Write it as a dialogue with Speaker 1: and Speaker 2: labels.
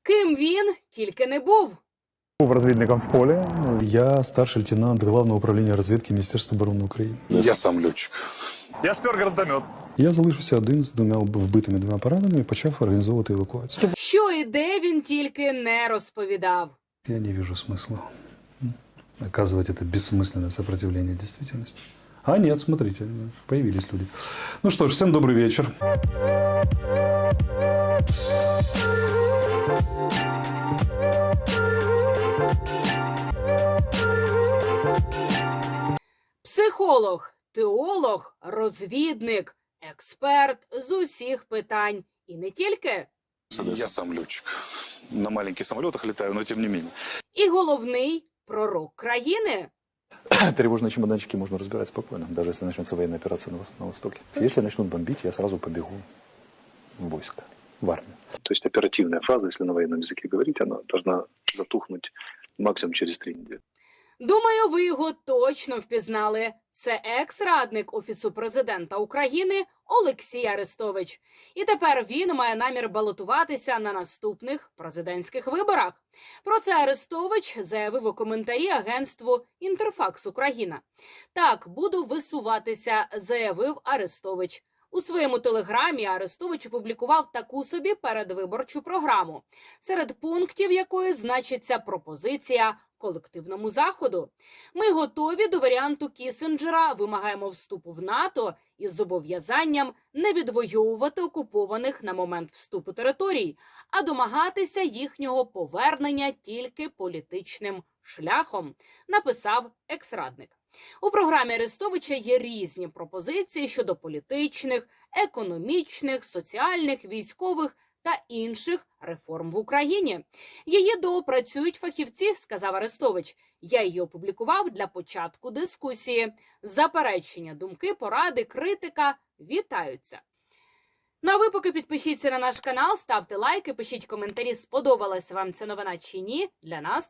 Speaker 1: Ким він тільки не був.
Speaker 2: Був розвідником в полі. Я старший лейтенант Главного управління розвідки Міністерства оборони України.
Speaker 3: Я сам льотчик.
Speaker 2: Я спер гранатомет. Я залишився один з двома вбитими двома пораненими і почав організовувати евакуацію.
Speaker 1: Що і де він тільки не розповідав.
Speaker 2: Я не вижу смысла оказывать это бессмысленное сопротивление действительности. А нет, смотрите, появились люди. Ну что ж, всем добрый вечер.
Speaker 1: Психолог, теолог, розвідник, експерт з усіх питань. І не тільки.
Speaker 3: Я сам летчик. На маленьких самолетах летаю, но тем не менее.
Speaker 1: І головний пророк країни.
Speaker 4: Тревожные чемоданчики можно разбирать спокойно, даже если начнется военная операция на Востоке. Если начнут бомбить, я сразу побегу в войско, в армию.
Speaker 5: То есть оперативная фаза, если на военном языке говорить, она должна затухнуть максимум через 3 недели.
Speaker 1: Думаю, ви його точно впізнали. Це екс-радник Офісу президента України Олексій Арестович. І тепер він має намір балотуватися на наступних президентських виборах. Про це Арестович заявив у коментарі агентству «Інтерфакс Україна». Так, буду висуватися, заявив Арестович. У своєму телеграмі Арестович опублікував таку собі передвиборчу програму, серед пунктів якої значиться пропозиція колективному заходу. Ми готові до варіанту Кісінджера, вимагаємо вступу в НАТО із зобов'язанням не відвоювати окупованих на момент вступу територій, а домагатися їхнього повернення тільки політичним шляхом, написав екс-радник. У програмі Арестовича є різні пропозиції щодо політичних, економічних, соціальних, військових та інших реформ в Україні. Її доопрацюють фахівці, сказав Арестович. Я її опублікував для початку дискусії. Заперечення, думки, поради, критика вітаються. Ну а ви поки підпишіться на наш канал, ставте лайки, пишіть коментарі, сподобалася вам ця новина чи ні. Для нас